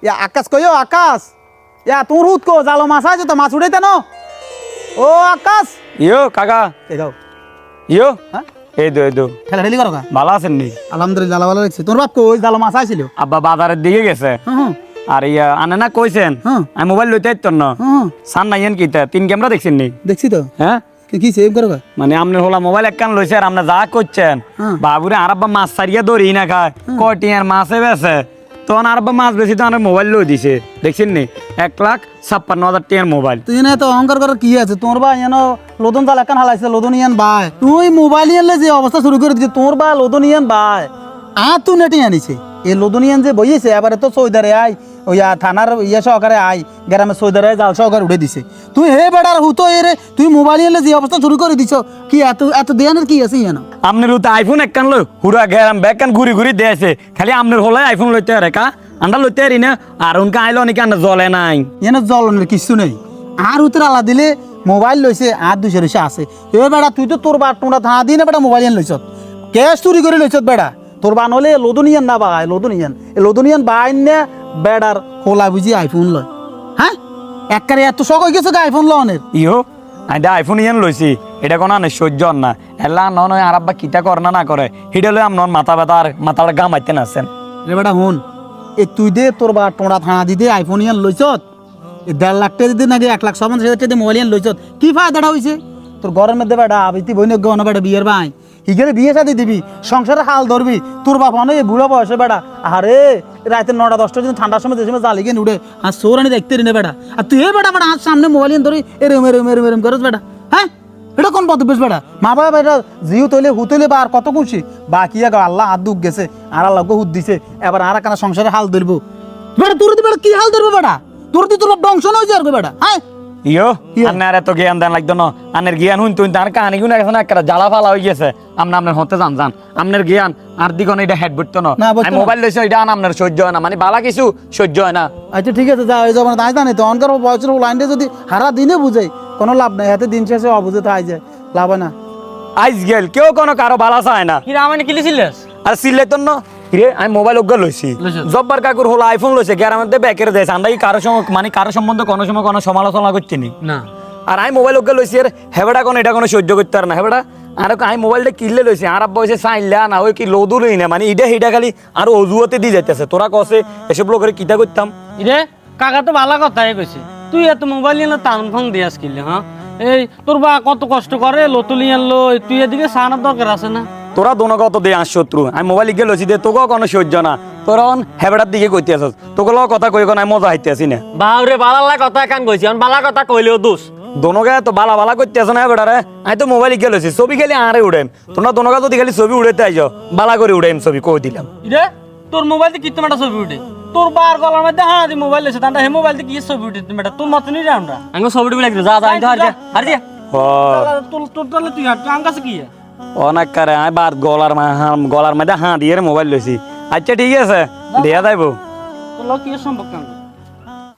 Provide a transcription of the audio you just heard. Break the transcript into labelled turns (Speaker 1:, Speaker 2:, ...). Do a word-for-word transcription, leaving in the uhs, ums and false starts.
Speaker 1: ইয়া আকাশ কইও আকাশ ইয়া তোর হুত কো জালো মাছ আছে তো মাছ উঠাইতে ন ও আকাশ
Speaker 2: ইয়ো কাকা
Speaker 1: এ গাও
Speaker 2: ইয়ো
Speaker 1: হ্যাঁ
Speaker 2: এই দো এই দো
Speaker 1: খেলা খেলি করো কা
Speaker 2: ভালো আছেন নি?
Speaker 1: আলহামদুলিল্লাহ ভালো লাগছে তোর বাপ কই জালো মাছ আইছিল
Speaker 2: আব্বা বাজারের দিকে গেছে
Speaker 1: হুম হুম
Speaker 2: আর ইয়া আনে না কইছেন
Speaker 1: হ্যাঁ।
Speaker 2: আমি মোবাইল লইতে আইতো না
Speaker 1: হুম
Speaker 2: সান নাইয়েন কিতা তিন ক্যামেরা দেখছেন নি?
Speaker 1: দেখছি তো
Speaker 2: হ্যাঁ
Speaker 1: কি কি সেভ করো কা
Speaker 2: মানে আপনার হলা মোবাইল একখান লইছে আর আপনি যা করছেন
Speaker 1: হ্যাঁ।
Speaker 2: বাবুরে আর আব্বা মাছ সারিয়া ধরি না খায় কটি আর মাছে বেছে তখন আর আব্বা মাছ বেশি তো আমার মোবাইল লই দিছে দেখছেন নি এক লাখ ছাপ্পান্ন হাজার টিয়ার মোবাইল
Speaker 1: তুই না তো অহংকার করার কি আছে তোর বা ইয়ানো লোদন জাল একখান হালাইছে লোদন ইয়ান বাই তুই মোবাইল ইয়ানলে যে অবস্থা শুরু করে দিছে তোর বা লোদন ইয়ান বাই আ তুই নেটে আনিছে এই লোদন ইয়ান যে বইছে এবারে তো সৌদারে আই ওই থানার ইয়ে সহকারে আই গ্রামে সৌদারে জাল সহকারে উঠে দিছে তুই হে বেড়ার হুতো এ রে তুই মোবাইল ইয়ানলে যে অবস্থা শুরু করে দিছ কি এত এত দেয়ানের কি আছে ইয়ানো
Speaker 2: আপনার তো আইফোন একখান লই হুরা গেরাম ব্যাগ কান ঘুরি ঘুরি দিয়েছে খালি আপনার হলে আইফোন লইতে রে কা আন্ডা লইতে পারি না আর উনকে আইলো নাকি আন্ডা জলে নাই
Speaker 1: ইয়ানো জ্বলনের কিছু নেই আর উত্তর আলা দিলে মোবাইল লইছে আর দুইশো রইছে আছে এ বেড়া তুই তো তোর বা তোমরা থা দিই না বেটা মোবাইল ইয়ান লইছত ক্যাশ চুরি করে লইছত বেড়া তোর বান হলে লোদনিয়ান না বাই লোদনিয়ান এই লোদনিয়ান বাইন না বেড়ার হোলা বুঝি আইফোন লয় হ্যাঁ একবারে এত শখ হয়ে গেছে আইফোন লনের
Speaker 2: ইহো আইডা আইফোন ইয়ান লইছি এটা কোনো আনে সহ্য হন না এলা নন আর আব্বা কিতা করে না না করে হিডে লই আমন মাথা ব্যথা আর মাথাটা গা মাইতে নাছেন
Speaker 1: রে বেটা হুন এ তুই দে তোর বা টোড়া থানা দিতে আইফোন ইয়ান লইছত এ দেড় লাখ টাকা দিতে নাকি এক লাখ পঞ্চাশ হাজার টাকা মোবাইল ইয়ান লইছত কি ফায়দাটা হইছে তোর ঘরের মধ্যে বেটা আবিতি বইনে গহন বেটা বিয়ের ভাই হিগেরে বিয়ে শাদি দিবি সংসারে হাল ধরবি তোর বাপ অনেক বুড়ো বয়সে বেটা আরে রাতে নটা দশটার দিন ঠান্ডার সময় যে সময় জালি গিয়ে উঠে আর সৌরানি দেখতে রিনে বেটা আর তুই এ বেটা বেটা হাত সামনে মোবাইল ধরি এরম এরম এরম এরম করস বেটা হ্যাঁ এটা কোন পথ বেশ বেটা মা বাবা বেটা জিউ তৈলে হুতইলে বা আর কত খুশি বাকি আগে আল্লাহ হাত দুঃখ গেছে আর আল্লাহ হুত দিছে এবার আর কেন সংসারে হাল ধরবো বেটা তোর বেটা কি হাল ধরবো বেটা তোর তুই তোর বংশ নয় যাবে বেটা হ্যাঁ
Speaker 2: ইয়ো আন্নার এত জ্ঞান দেন লাগতো না আন্নের জ্ঞান হুন তুই তার কাহানি গুণ এখন একটা জ্বালা ফালা হয়ে গেছে আমরা আপনার হতে যান যান আপনার জ্ঞান আর দিগন এটা হেড বুঝতো না
Speaker 1: না, বুঝতো
Speaker 2: আমি
Speaker 1: না।
Speaker 2: মোবাইল লইছি এটা আন আপনার সহ্য হয় না মানে বালা কিছু সহ্য হয় না
Speaker 1: আচ্ছা ঠিক আছে যা হয়ে যাবে না তাই জানি তো অনকার বয়সের লাইনটা যদি হারা দিনে বুঝাই কোনো লাভ নাই হাতে দিন শেষে অবুঝে তাই যায় লাভ হয় না
Speaker 2: আইস গেল কেউ কোনো কারো বালা চায় না
Speaker 3: কি রামানি কিলিছিলেস
Speaker 2: আর সিলে তো না রে আমি মোবাইল ওগা লইছি জব্বার কাকুর হলো আইফোন লইছে গ্যারামের দিয়ে ব্যাকের দেয় আমরা কি কারো সঙ্গে মানে কারো সম্বন্ধে কোনো সময় কোনো সমালোচনা করছি নি
Speaker 3: না
Speaker 2: আর আমি মোবাইল ওকে লইছি আর হেবেটা কোনো এটা কোনো সহ্য করতে পারে না হেবেটা আর আমি মোবাইলটা কিনলে লইছি আর আব্বা হয়েছে চাইলে না ওই কি লদু লই না মানে ইটা হিটা খালি আর অজুয়াতে দিয়ে যাইতেছে তোরা কসে এসব লোকের কিতা করতাম
Speaker 3: ইরে কাকা তো ভালো কথাই কইছে তুই এত মোবাইল নিয়ে টাউন ফাং দিয়াস কিনলে হ্যাঁ এই তোর বা কত কষ্ট করে লতুলি আনলো তুই এদিকে সানার দরকার আছে না
Speaker 2: তোরা দোনো কত দে আস শত্রু আমি মোবাইল গিয়ে লইছি দে তোকেও কোনো সহ্য না তোরা হেবেটার দিকে কইতে আসস তোকে লগ কথা কই কোনো মজা হাইতে আসি না
Speaker 3: বাউরে বালালা কথা কান কইছি আমি বালা কথা কইলেও দোষ
Speaker 2: দোনোকে তো বালা বালা করতে আসো না হেবেটারে আমি তো মোবাইল গিয়ে লইছি ছবি খালি আরে উড়াইম তোমরা দোনোকে যদি খালি ছবি উড়াইতে আইজ বালা করে উড়াইম ছবি কই দিলাম
Speaker 3: ইরে তোর মোবাইল কি তোমার ছবি উঠে তোর বার গলার মধ্যে হ্যাঁ দি মোবাইল এসে তান্ডা হে মোবাইল কি ছবি উঠে তুমি তোর মত নি আমরা আমি ছবি উঠে লাগি যা যা আইতে হার যা হার যা তোর তোর তাহলে তুই হাট আম কাছে কি
Speaker 2: অনেক কারে আমি বার গলার গলার মধ্যে হাঁ দিয়ে মোবাইল লইছি আচ্ছা ঠিক আছে দিয়া যাইব
Speaker 3: তোর লোক কি সম্পর্ক